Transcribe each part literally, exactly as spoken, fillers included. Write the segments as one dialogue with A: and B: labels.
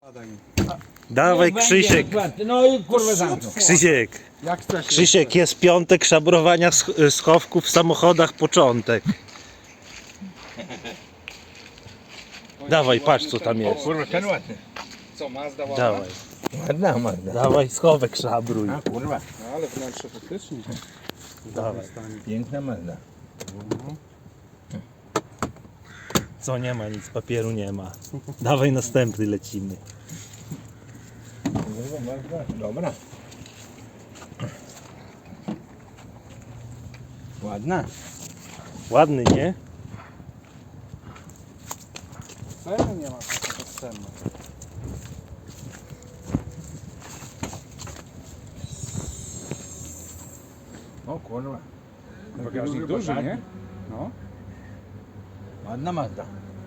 A: Dawaj Krzysiek.
B: No i kurwa zamknął.
A: Krzysiek.
C: Jak chcesz?
A: Krzysiek, jest piątek szabrowania sch- schowków w samochodach, początek. Dawaj, patrz co tam jest.
B: Kurwa, ten ładny.
C: Co, Mazda ładna?
A: Dawaj,
B: Ładna, ładna.
A: dawaj schowek szabruj.
B: A kurwa,
C: No, ale wnętrze faktycznie.
A: Dawaj.
B: piękna Mazda.
A: Co, nie ma nic, papieru nie ma. Dawaj następny, lecimy.
B: Kurwa, Mazda, dobra. Ładna.
A: Ładny, nie?
C: Ceny nie ma, taka bezcenna.
B: O kurwa.
C: Bagażnik duży, nie? No.
B: Ładna Mazda.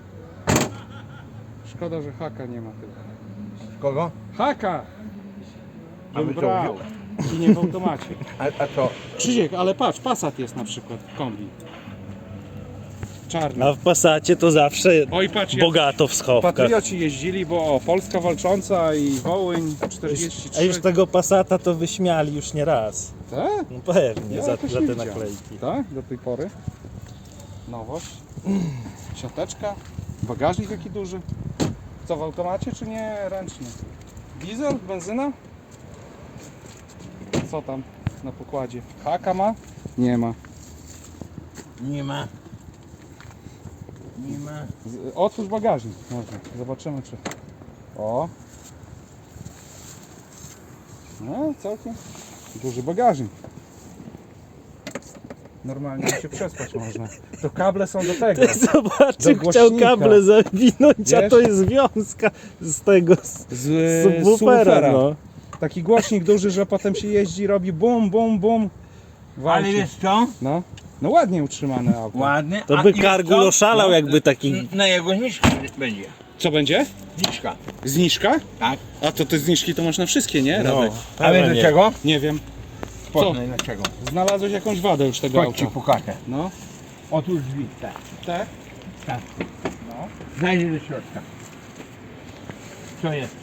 C: Szkoda, że haka nie ma tylko.
B: Kogo?
C: Haka!
B: A wy
C: Bym
B: co
C: brał.
B: wziął?
C: I nie w automacie.
B: A, a co?
C: Krzysiek, ale patrz, Passat jest na przykład, kombi. Czarny.
A: A w Passacie to zawsze
C: Oj, patrz, jak
A: bogato w schowkach.
C: patrioci jeździli, bo o, Polska Walcząca i Wołyń czterdzieści trzy.
A: A już tego Passata to wyśmiali już nie raz.
C: Tak?
A: No pewnie,
C: Ja
A: za,
C: jakoś
A: za
C: nie
A: te
C: widziałem.
A: naklejki.
C: Tak? Do tej pory. Nowość. Siateczka. Bagażnik jaki duży. Co, w automacie czy nie ręcznie? Diesel? Benzyna? Co tam na pokładzie? Haka ma? Nie ma.
B: Nie ma. Nie ma.
C: Z- Otwórz bagażnik. Można. Zobaczymy czy... O! No, całkiem duży bagażnik. Normalnie się przespać można. To kable są do tego.
A: Ty zobaczył,
C: Do
A: chciał
C: głośnika.
A: kable zawinąć, a
C: Wiesz?
A: to jest związka z tego, z
C: Z
A: subwoofera, no.
C: Taki głośnik duży, że potem się jeździ, robi bum, bum, bum.
B: Ale
C: Walczy.
B: wiesz co?
C: No, no ładnie utrzymane auto.
B: Ładny.
A: To
B: A
A: by
B: i wiesz
A: Kargul
B: co?
A: oszalał,
B: No,
A: jakby taki...
B: n- Na jego zniżkę będzie.
C: Co będzie?
B: Zniżka.
C: Zniżka?
B: Tak.
C: A to te zniżki to masz na wszystkie, nie?
A: No,
C: Radek?
B: A wiesz
A: pewnie.
B: dlaczego?
C: Nie wiem.
B: Poznaj dlaczego.
C: Znalazłeś jakąś wadę już tego
B: Chodź ci
C: auta.
B: pokażę.
C: No.
B: Otóż drzwi, tak.
C: Tak?
B: Tak.
C: No.
B: Zajrzyj do środka. Co jest?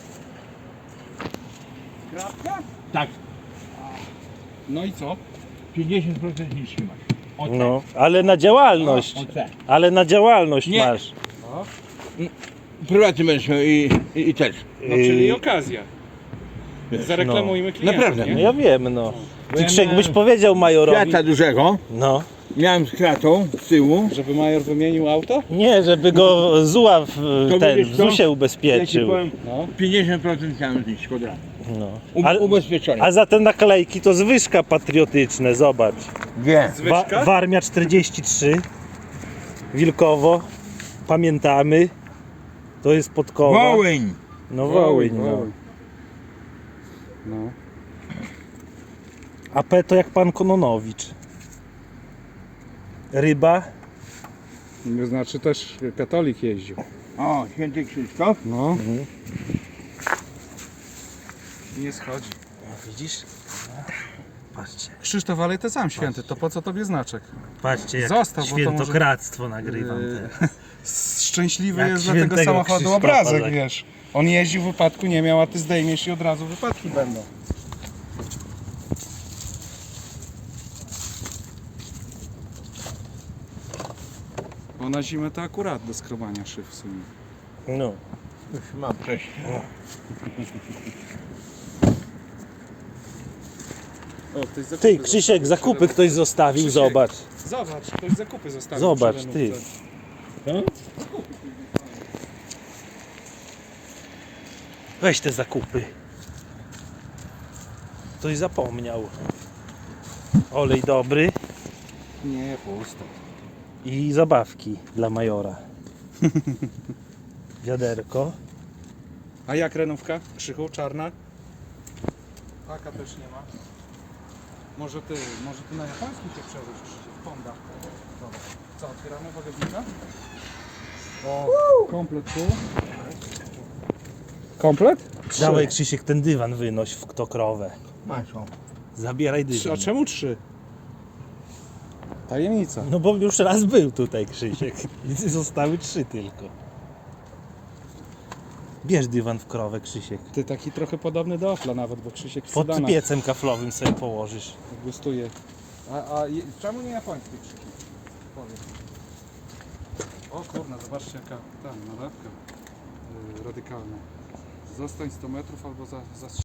C: Kratka?
B: Tak.
C: No i co?
B: pięćdziesiąt procent zniżki masz. O tak.
A: No, ale na działalność.
B: O tak.
A: Ale na działalność
B: Nie.
A: masz.
C: No.
B: Prywatny będziesz miał i, i, i też.
C: No czyli
A: Yy,
C: okazja.
B: Wiesz,
C: Zareklamujmy klienta.
B: Naprawdę,
A: No
C: nie?
A: ja wiem, no.
B: Bo
A: Ty
B: ja
A: Krzysiek,
B: miałem
A: byś powiedział majorowi.
B: Fiata dużego,
A: No.
B: miałem z kratą z tyłu.
C: Żeby major wymienił auto?
A: Nie, żeby go Zuła w
B: To
A: ten,
B: wiesz
A: w
B: co?
A: zusie
B: Ja ci
A: ubezpieczył.
B: powiem,
C: No.
B: pięćdziesiąt procent chciałem zniżki od razu.
A: No.
B: U,
A: Ale,
B: ubezpieczony.
A: a za te naklejki to zwyżka patriotyczne, zobacz.
B: Gdzie?
A: Wa
C: Zwyżka?
A: Warmia czterdzieści trzy, Wilkowo, pamiętamy. To jest Podkowa.
B: Wołyń.
A: No Wołyń, no.
C: Wołyń. No.
A: A P to jak pan Kononowicz. Ryba.
C: To znaczy też katolik jeździł.
B: O, święty Krzysztof.
C: No.
A: Mhm.
C: Nie schodzi.
A: Widzisz? Patrzcie,
C: Krzysztof, ale ty sam święty, to po co tobie znaczek?
A: patrzcie jak
C: Zostaw, bo to
A: świętokradztwo nagrywam
C: Yy,
A: teraz.
C: Szczęśliwy
A: Jak
C: jest dla tego
A: świętego
C: samochodu
A: Krzysztofa,
C: obrazek,
A: tak.
C: wiesz. On jeździł, wypadku nie miał, a ty zdejmiesz i od razu wypadki będą. Bo na zimę to akurat do skrobania szyb w sumie.
A: No.
B: Już mam coś.
C: O, ktoś zakupy
A: Ty, Krzysiek, zakupy ktoś zostawił,
C: Krzysiek.
A: zobacz.
C: Zobacz, ktoś zakupy zostawił.
A: Zobacz,
C: przy
A: ty.
C: renówce.
A: Weź te zakupy. Ktoś zapomniał. Olej dobry
C: Nie, pusto.
A: i zabawki dla majora. Wiaderko.
C: A jak renówka? Krzychu, czarna? Taka też nie ma. Może ty, może ty na japoński cię przewóz, Krzysiek, Honda. Dobra. Co, otwieramy bagażnika? O, komplet tu. Komplet? Trzy.
A: Dawaj Krzysiek ten dywan wynoś w kto krowę.
B: Masz o.
A: Zabieraj
C: Trzy.
A: dywan.
C: A czemu trzy? Tajemnica.
A: No bo już raz był tutaj Krzysiek. I zostały trzy tylko. Bierz dywan w krowę, Krzysiek.
C: Ty taki trochę podobny do Ofla nawet, bo Krzysiek w
A: Pod
C: sedanach
A: piecem kaflowym sobie położysz.
C: gustuje. A, a je- czemu nie japoński Krzysiek? Powiedz. O kurna, zobaczcie jaka tam nalewka yy, radykalna. Zostań sto metrów albo za, za